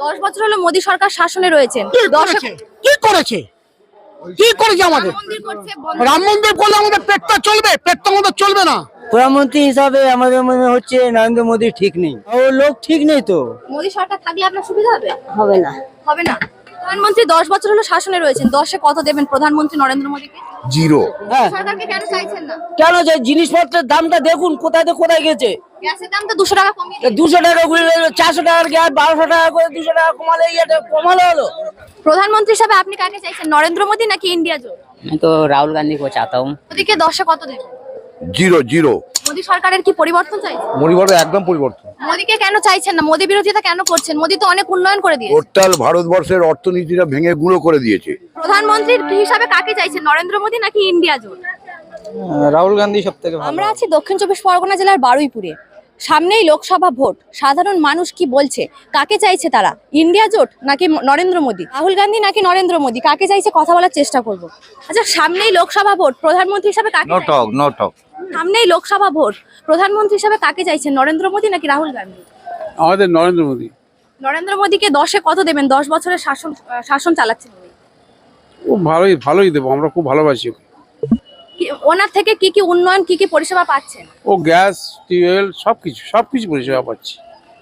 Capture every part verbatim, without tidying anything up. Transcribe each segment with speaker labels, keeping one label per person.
Speaker 1: দশ বছর হলো মোদী সরকার শাসনে রয়েছেন।
Speaker 2: কি করেছে কি করেছে কি করেছে আমাদের? রাম মন্দির করলে আমাদের পেটটা চলবে? পেটটা আমাদের চলবে না।
Speaker 3: প্রধানমন্ত্রী হিসাবে আমাদের মনে হচ্ছে নরেন্দ্র মোদী ঠিক নেই, ও লোক ঠিক নেই তো।
Speaker 1: মোদী সরকার থাকলে আপনার সুবিধা হবে?
Speaker 3: হবে না
Speaker 1: হবে না। প্রধানমন্ত্রী দশ বছর হলো শাসনে রয়েছেন, দশে কত দেবেন প্রধানমন্ত্রী নরেন্দ্র মোদীকে?
Speaker 4: জিরো।
Speaker 3: হ্যাঁ,
Speaker 1: সরকারকে কেন চাইছেন না?
Speaker 3: কেন যে জিনিসপত্রের দামটা দেখুন কোথায় তো কোথায় গেছে।
Speaker 1: গ্যাসের দাম তো দুশো টাকা কমিয়ে দিয়েছে।
Speaker 3: দুশো টাকা ঘুরে চারশো টাকার গ্যাস বারোশো টাকা করে দুশো টাকা কমালে এটা কমালো হলো।
Speaker 1: প্রধানমন্ত্রী হিসাবে আপনি কাকে চাইছেন, নরেন্দ্র মোদী নাকি ইন্ডিয়া জোট?
Speaker 5: मैं तो राहुल गांधी को चाहता हूँ।
Speaker 1: মোদীকে দশে কত দেবেন?
Speaker 4: Zero zero.
Speaker 1: মোদী সরকারের কি পরিবর্তন চাইছেন?
Speaker 4: পরিবর্তন, একদম পরিবর্তন।
Speaker 1: মোদীকে কেন চাইছেন না? মোদী বিরোধিতা কেন করছেন? মোদী তো অনেক উন্নয়ন করে দিয়েছে।
Speaker 4: টোটাল ভারতবর্ষের অর্থনীতিটা ভেঙে গুঁড়ো করে দিয়েছে।
Speaker 1: প্রধানমন্ত্রী হিসাবে কাকে চাইছেন, নরেন্দ্র মোদী নাকি ইন্ডিয়া জোট?
Speaker 3: রাহুল গান্ধী সব থেকে ভালো।
Speaker 1: আমরা আছি দক্ষিণ চব্বিশ পরগনা জেলার বারুইপুরে। সামনেই লোকসভা ভোট। সাধারণ মানুষ কি বলছে, কাকে চাইছে তারা, ইন্ডিয়া জোট নাকি নরেন্দ্র মোদী, রাহুল গান্ধী নাকি নরেন্দ্র মোদী, কাকে চাইছে কথা বলার চেষ্টা করব। আচ্ছা, সামনেই লোকসভা ভোট, প্রধানমন্ত্রী হিসাবে কাকে
Speaker 4: নো
Speaker 1: চাইছেন?
Speaker 4: Talk no talk.
Speaker 1: সামনেই লোকসভা ভোট, প্রধানমন্ত্রী হিসাবে কাকে চাইছেন, নরেন্দ্র মোদী নাকি রাহুল গান্ধী?
Speaker 6: আমাদের নরেন্দ্র মোদী।
Speaker 1: নরেন্দ্র মোদীকে দশে কত দেবেন? দশ বছরের শাসন শাসন চালাচ্ছেন উনি।
Speaker 6: ও ভালোই ভালোই দেবো, আমরা খুব ভালোবাসি ওকে।
Speaker 1: কি- ওনার থেকে কি কি উন্নয়ন, কি কি পরিষেবা পাচ্ছেন?
Speaker 6: ও গ্যাস টিউবওয়েল সবকিছু সবকিছু পরিষেবা পাচ্ছি।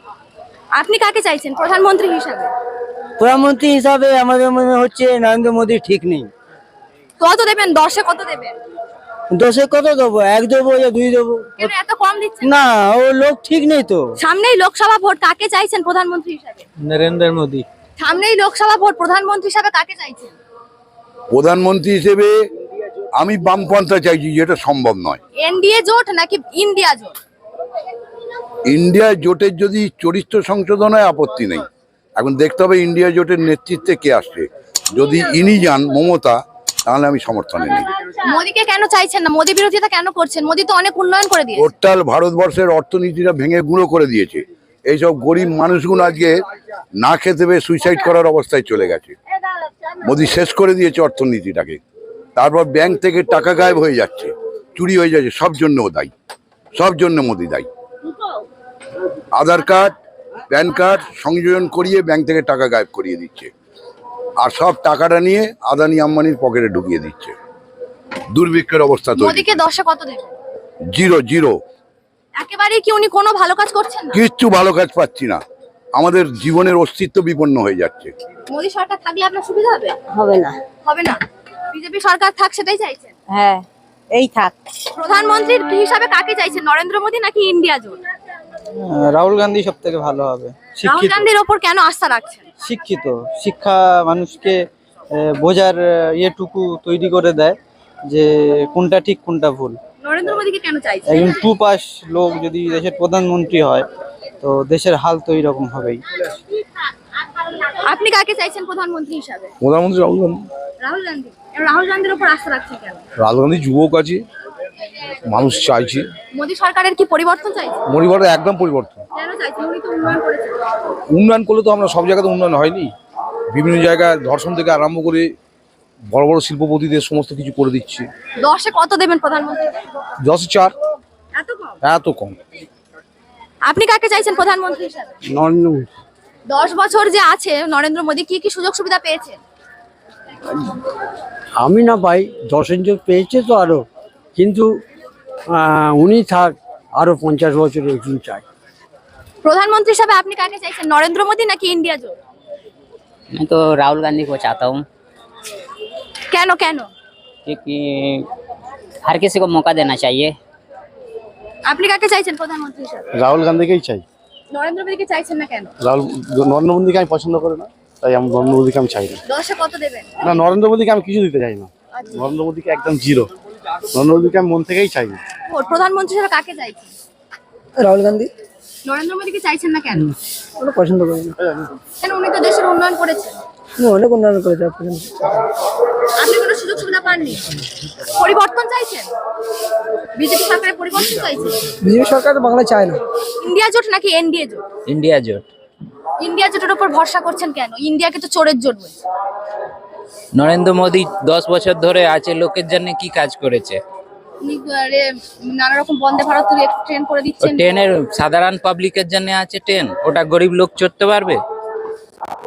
Speaker 1: আপনি কাকে চাইছেন প্রধানমন্ত্রী হিসাবে?
Speaker 3: প্রধানমন্ত্রী হিসাবে আমাদের মনে হচ্ছে নরেন্দ্র মোদী ঠিক নেই।
Speaker 1: কত দেবেন? দশে কত দেবেন?
Speaker 3: দশে কত দেবো? এক দেবো या দুই দেবো?
Speaker 1: কেন এত কম দিচ্ছেন?
Speaker 3: না, ও লোক ঠিক নেই তো।
Speaker 1: সামনেই লোকসভা ভোট, কাকে চাইছেন প্রধানমন্ত্রী হিসাবে?
Speaker 3: নরেন্দ্র মোদী।
Speaker 1: সামনেই লোকসভা ভোট, প্রধানমন্ত্রী হিসাবে কাকে চাইছেন?
Speaker 4: প্রধানমন্ত্রী হিসেবে আমি বামপন্থা চাইছি, যেটা সম্ভব নয়।
Speaker 1: এনডিএ জোট নাকি ইন্ডিয়া জোট?
Speaker 4: ইন্ডিয়া জোটের যদি চরিত্র সংশোধন হয় আপত্তি নেই। এখন দেখতে হবে ইন্ডিয়া জোটের নেতৃত্বে কে আসছে। যদি ইনি যান মমতা, তাহলে আমি সমর্থনে নেই।
Speaker 1: মোদীকে কেন চাইছেন না? মোদী বিরোধিতা কেন করছেন? মোদী তো অনেক উন্নয়ন করে দিয়েছে।
Speaker 4: টোটাল ভারতবর্ষের অর্থনীতিটা ভেঙে গুঁড়ো করে দিয়েছে। এইসব গরিব মানুষগুলো আজকে না খেতে পেয়ে সুইসাইড করার অবস্থায় চলে গেছে। মোদী শেষ করে দিয়েছে অর্থনীতিটাকে। তারপর ব্যাংক থেকে টাকা গায়েব হয়ে যাচ্ছে, চুরি হয়ে যাচ্ছে, সব জন্য ও দায়ী, সব জন্য মোদী দায়ী। আধার কার্ড প্যান কার্ড সংযোজন করিয়ে ব্যাংক থেকে টাকা গায়েব করিয়ে দিচ্ছে, আর সব টাকাটা নিয়ে আদানি আম্বানির পকেটে ঢুকিয়ে দিচ্ছে। দুর্ভিক্ষের অবস্থা তৈরি।
Speaker 1: মোদীকে দশে কত দেবেন?
Speaker 4: Zero zero.
Speaker 1: একেবারেই কি উনি কোনো ভালো কাজ করছেন না?
Speaker 4: কিচ্ছু ভালো কাজ পাচ্ছি না, আমাদের জীবনের অস্তিত্ব বিপন্ন হয়ে যাচ্ছে।
Speaker 1: মোদী সরকার থাকলে আপনার সুবিধা হবে?
Speaker 3: হবে না।
Speaker 1: হবে না। বিজেপি সরকার থাক, সেটাই চাইছেন?
Speaker 3: হ্যাঁ, এই থাক।
Speaker 1: প্রধানমন্ত্রী হিসাবে কাকে চাইছেন, নরেন্দ্র মোদী নাকি ইন্ডিয়া জোট?
Speaker 3: রাহুল গান্ধী সব থেকে ভালো হবে।
Speaker 1: রাহুল গান্ধীর ওপর কেন আস্থা রাখছেন?
Speaker 3: শিক্ষিত, শিক্ষা মানুষকে আহ, বোঝার আহ, ইয়েটুকু তৈরি করে দেয় যে কোনটা ঠিক কোনটা ভুল।
Speaker 1: নরেন্দ্র মোদীকে কেন চাইছেন?
Speaker 3: একজন টু পাস লোক যদি দেশের প্রধানমন্ত্রী হয় তো দেশের হাল তো এইরকম হবেই।
Speaker 1: আপনি কাকে চাইছেন প্রধানমন্ত্রী হিসাবে?
Speaker 7: প্রধানমন্ত্রী রাহুল গান্ধী।
Speaker 1: রাহুল গান্ধী। রাহুল গান্ধীর উপর আস্থা রাখছেন কেন?
Speaker 7: রাহুল গান্ধী যুবক আছে, মানুষ চাইছে।
Speaker 1: মোদী সরকারের কি পরিবর্তন চাইছেন?
Speaker 7: পরিবর্তন, একদম পরিবর্তন।
Speaker 1: কেন চাইছেন? উনি তো উন্নয়ন করেছেন।
Speaker 7: উন্নয়ন করলে তো আমরা সব জায়গাতে উন্নয়ন হয়নি। বিভিন্ন জায়গায় ধর্ষণ থেকে আরম্ভ করে বড় বড় শিল্পপতিদের সমস্ত কিছু করে দিচ্ছে।
Speaker 1: দশে কত দেবেন প্রধানমন্ত্রী?
Speaker 7: দশ চার।
Speaker 1: এত কম?
Speaker 7: এত কম।
Speaker 1: আপনি কাকে চাইছেন প্রধানমন্ত্রী হিসাবে?
Speaker 7: নরেন্দ্র মোদী।
Speaker 1: দশ বছর যে আছে নরেন্দ্র মোদী, কি কি সুযোগ সুবিধা পেয়েছেন?
Speaker 8: আমি না পাই, দশ ইঞ্চি পেয়েছে তো আরো, কিন্তু আহ, উনি থাক আরো পঞ্চাশ বছর একজন চাই।
Speaker 1: প্রধানমন্ত্রী হিসাবে আপনি কাকে চাইছেন, নরেন্দ্র মোদী নাকি ইন্ডিয়া জোট?
Speaker 5: मैं तो राहुल गांधी को चाहता हूँ,
Speaker 1: কেন কেন?
Speaker 5: क्योंकि हर किसी को मौका देना चाहिए।
Speaker 1: আপনি কাকে চাইছেন প্রধানমন্ত্রী হিসাবে?
Speaker 7: রাহুল গান্ধীকেই চাই।
Speaker 1: নরেন্দ্র মোদীকে চাইছেন না কেন?
Speaker 7: রাহুল নরেন্দ্র মোদীকে আমি পছন্দ করি না, তাই আমি নরেন্দ্র মোদীকে আমি চাই না।
Speaker 1: দশে কত দেবেন?
Speaker 7: না, নরেন্দ্র মোদীকে আমি কিছু দিতে চাই না। নরেন্দ্র মোদীকে একদম জিরো। নরেন্দ্র মোদীকে আমি মন থেকেই চাই না।
Speaker 1: ভোট প্রধানমন্ত্রী হিসাবে কাকে চাইছেন?
Speaker 8: রাহুল গান্ধী।
Speaker 1: নরেন্দ্র মোদীকে চাইছেন না কেন?
Speaker 8: ওটা পছন্দ করি না।
Speaker 1: কেন? উনি তো দেশের উন্নয়ন করেছেন।
Speaker 8: উনি অনেক উন্নয়ন করেছে।
Speaker 1: আপনি কোনো সুযোগ সুবিধা পাননি, পরিবর্তন চাইছেন? বিজেপি সরকারের পরিবর্তন চাইছেন?
Speaker 8: বিজেপি সরকার তো বাংলা চায় না।
Speaker 1: ইন্ডিয়া জোট নাকি এনডিএ জোট?
Speaker 5: इंडिया जोट।
Speaker 1: ইন্ডিয়া জোটের উপর ভরসা করছেন কেন? ইন্ডিয়াকে তো চোরের জোট বলছে।
Speaker 9: নরেন্দ্র মোদী দশ বছর ধরে আছে, লোকের জন্য কি কাজ করেছে?
Speaker 1: উনি আরে নানা রকম বন্দে ভারত ট্রেন করে দিচ্ছেন।
Speaker 9: ট্রেনের সাধারণ পাবলিকের জন্য আছে ট্রেন, ওটা গরিব লোক চড়তে পারবে?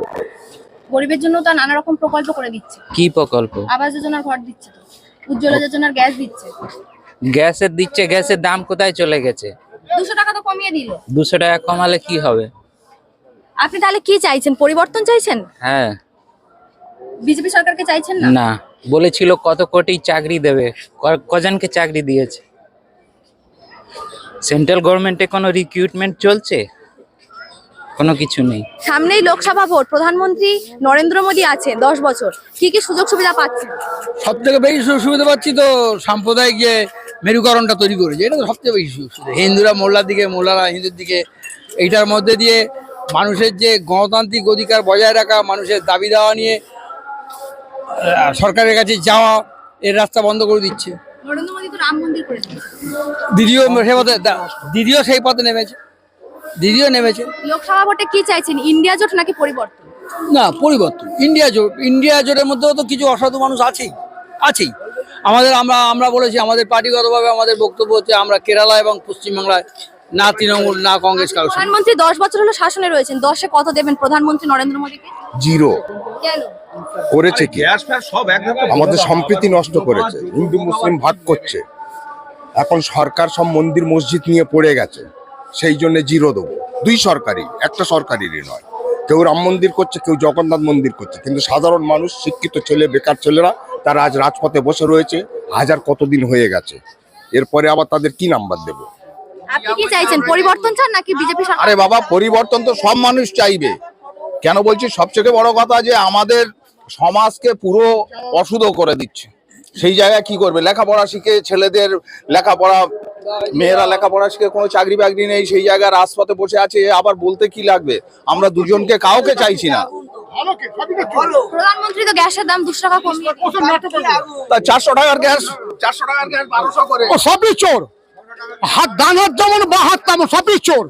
Speaker 1: গরিবের জন্য তো নানা রকম প্রকল্প করে দিচ্ছে,
Speaker 9: কি প্রকল্প?
Speaker 1: আবাস যোজনার ঘর দিচ্ছে, তো উজ্জ্বলা যোজনার গ্যাস দিচ্ছে,
Speaker 9: গ্যাসের দিচ্ছে, গ্যাসের দাম কোথায় চলে গেছে?
Speaker 1: দুশো টাকা তো কমিয়ে দিল।
Speaker 9: দুশো টাকা কমালে কি হবে?
Speaker 1: আপনি তাহলে কি চাইছেন? পরিবর্তন চাইছেন?
Speaker 9: হ্যাঁ।
Speaker 1: বিজেপি সরকারকে চাইছেন না?
Speaker 9: না, বলেছিল কত কোটি চাকরি দেবে, ক- কজনকে চাকরি দিয়েছে? সেন্ট্রাল গভর্নমেন্টে কোনো রিক্রুটমেন্ট চলছে? কোনো কিছু নেই।
Speaker 1: সামনেই লোকসভা ভোট, প্রধানমন্ত্রী নরেন্দ্র মোদী আছে দশ বছর, কি কি সুযোগ সুবিধা পাচ্ছেন?
Speaker 2: সব থেকে বেশি সুযোগ সুবিধা পাচ্ছি তো সাম্প্রদায়িক যে মেরুকরণটা তৈরি করেছে, এটা তো সবচেয়ে বেশি সুযোগ সুবিধা। হিন্দুরা মোল্লার দিকে, মোল্লারা হিন্দুর দিকে, এইটার মধ্যে দিয়ে মানুষের যে গণতান্ত্রিক অধিকার বজায় রাখা, মানুষের দাবি দেওয়া নিয়ে আহ, সরকারের কাছে যাওয়া, এর রাস্তা বন্ধ করে দিচ্ছে।
Speaker 1: নরেন্দ্র মোদী তো রাম মন্দির করে দিয়েছে।
Speaker 2: দিদিও সেই পথে দিদিও সেই পথে নেমেছে দিদিও নেমেছে
Speaker 1: লোকসভা ভোটে কি চাইছেন? ইন্ডিয়া জোট নাকি পরিবর্তন?
Speaker 2: না, পরিবর্তন। ইন্ডিয়া জোট, ইন্ডিয়া জোটের মধ্যেও তো কিছু অসাধু মানুষ আছেই আছেই আমাদের আমরা আমরা বলেছি, আমাদের পার্টিগতভাবে আমাদের বক্তব্য হচ্ছে আমরা কেরালা এবং পশ্চিমবাংলায় না তৃণমূল না কংগ্রেস কারো সঙ্গে।
Speaker 1: প্রধানমন্ত্রী দশ বছর হলো শাসনে রয়েছেন, দশে কত দেবেন প্রধানমন্ত্রী নরেন্দ্র মোদীকে?
Speaker 4: জিরো
Speaker 1: কেন?
Speaker 10: করেছে কি? আমাদের সম্প্রীতি নষ্ট করেছে, হিন্দু মুসলিম ভাগ করছে। এখন সরকার সব মন্দির মসজিদ নিয়ে পড়ে গেছে, সেই জন্য জিরো দেবো। দুই সরকারি, একটা সরকারেরই নয়। কেউ রাম মন্দির করছে, কেউ জগন্নাথ মন্দির করছে, কিন্তু সাধারণ মানুষ, শিক্ষিত ছেলে, বেকার ছেলেরা তারা আজ রাজপথে বসে রয়েছে, হাজার কতদিন হয়ে গেছে। এরপরে আবার তাদের কি নাম্বার দেবো?
Speaker 1: আপনি কি চাইছেন? পরিবর্তন চান নাকি বিজেপি সরকার?
Speaker 10: আরে বাবা, পরিবর্তন তো সব মানুষ চাইবে। কেন বলছি? সবচেয়ে বড় কথা যে আমাদের সমাজকে পুরো অশুদ্ধ করে দিচ্ছে। সেই জায়গায় কি করবে? লেখাপড়া শিখে ছেলেদের লেখাপড়া, মেয়েরা লেখাপড়া শিখে কোনো চাকরি বাকরি নেই, সেই জায়গায় রাজপথে বসে আছে। আবার বলতে কি লাগবে? আমরা দুজনকে কাউকে চাইছি না।
Speaker 1: প্রধানমন্ত্রী তো গ্যাসের দাম দুশো টাকা কমিয়ে দিয়েছে।
Speaker 10: তা চারশো টাকার গ্যাস, চারশো টাকার গ্যাস বারোশো করে।
Speaker 2: ও সবই চোর, হাত ডান হাত যেমন বা হাত তেমন সবই চোর।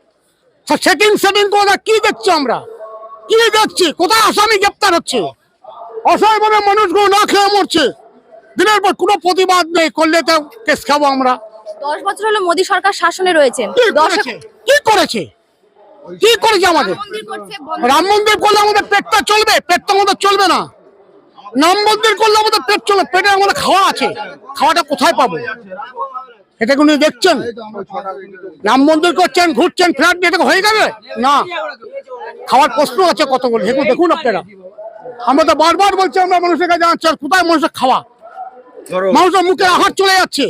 Speaker 2: সেটিং সেটিং করে কি দেখছি আমরা? কি দেখছি? কোথায় আসামি গ্রেপ্তার হচ্ছে? অসহায়ভাবে মানুষগুলো না খেয়ে মরছে, দিনের পর কোনো প্রতিবাদ নেই। করলে তো কেস খাবো আমরা।
Speaker 1: দশ বছর হলো মোদী সরকার শাসনে রয়েছেন,
Speaker 2: কি
Speaker 1: দশে
Speaker 2: করেছে? কি করেছে কি করেছে আমাদের?
Speaker 1: মন্দির করছে, বন্ধ
Speaker 2: রাম মন্দির করলে আমাদের পেটটা চলবে, পেটটা আমাদের চলবে না। রাম মন্দির করলে আমাদের পেট চলবে, পেটে আমাদের খাওয়া আছে, খাওয়াটা কোথায় পাবো? এটা কোনো দেখছেন? রাম মন্দির করছেন, ঘুরছেন, ফ্ল্যাট দিয়ে এটা হয়ে যাবে না। খাওয়ার প্রশ্ন আছে কতগুলো, সেগুলো দেখুন আপনারা। আমরা তো বারবার বলছি, আমরা মানুষের কাছে যাচ্ছি, আর কোথায় মানুষের খাওয়া? মানুষের মুখে আহার চলে যাচ্ছে।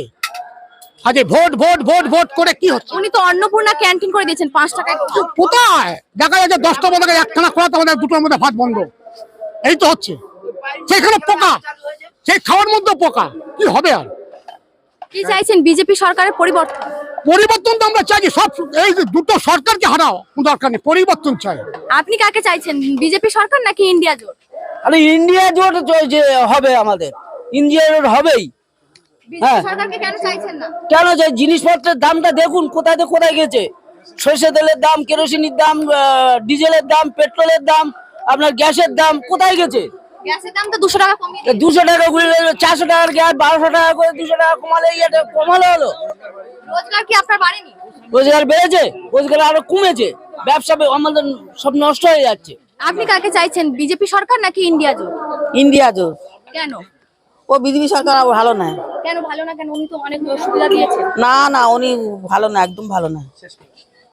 Speaker 2: আজ এই ভোট ভোট ভোট ভোট করে কি হচ্ছে?
Speaker 1: উনি তো অন্নপূর্ণা ক্যান্টিন করে দিয়েছেন পাঁচ টাকায়।
Speaker 2: কোথায় দেখা যাচ্ছে দশটা মধ্যে একখানা খোলা, আমাদের দুটোর মধ্যে ভাত বন্ধ। এই তো হচ্ছে। সেখানে পোকা, সেই খাওয়ার মধ্যে পোকা, কি হবে আর?
Speaker 1: কি চাইছেন? বিজেপি সরকারের পরিবর্তন?
Speaker 2: পরিবর্তন তো আমরা চাইছি, সব এই যে দুটো সরকারকে হারাও, কোনো দরকার নেই, পরিবর্তন চাই।
Speaker 1: আপনি কাকে চাইছেন? বিজেপি সরকার নাকি ইন্ডিয়া জোট?
Speaker 3: আরে ইন্ডিয়া জোট যে হবে, আমাদের ইন্ডিয়া জোট হবেই।
Speaker 1: বিজেপি সরকারকে কেন চাইছেন না?
Speaker 3: কেন যে জিনিসপত্রের দামটা দেখুন কোথায় থেকে কোথায় গেছে। সরষে তেলের দাম, কেরোসিনের দাম, ডিজেলের দাম, পেট্রোলের দাম, আপনার গ্যাসের দাম কোথায় গেছে?
Speaker 1: গ্যাসের দাম তো দুশো টাকা কমিয়ে দিয়েছে।
Speaker 3: দুশো টাকা ঘুরে চারশো টাকার গ্যাস বারোশো টাকা করে দুশো টাকা কমালে ইয়েটা কমালে হলো।
Speaker 1: রোজগার কি আপনার বাড়েনি?
Speaker 3: রোজগার বেড়েছে, রোজগার আরো কমেছে, ব্যবসা আমাদের সব নষ্ট হয়ে যাচ্ছে।
Speaker 1: আপনি কাকে চাইছেন? বিজেপি সরকার নাকি ইন্ডিয়া জোট?
Speaker 3: ইন্ডিয়া জোট।
Speaker 1: কেন?
Speaker 3: ও বিজেপি সরকার ভালো না।
Speaker 1: কেন ভালো না? কেন? উনি তো অনেক সুবিধা দিয়েছে।
Speaker 3: না না, উনি ভালো না, একদম ভালো না।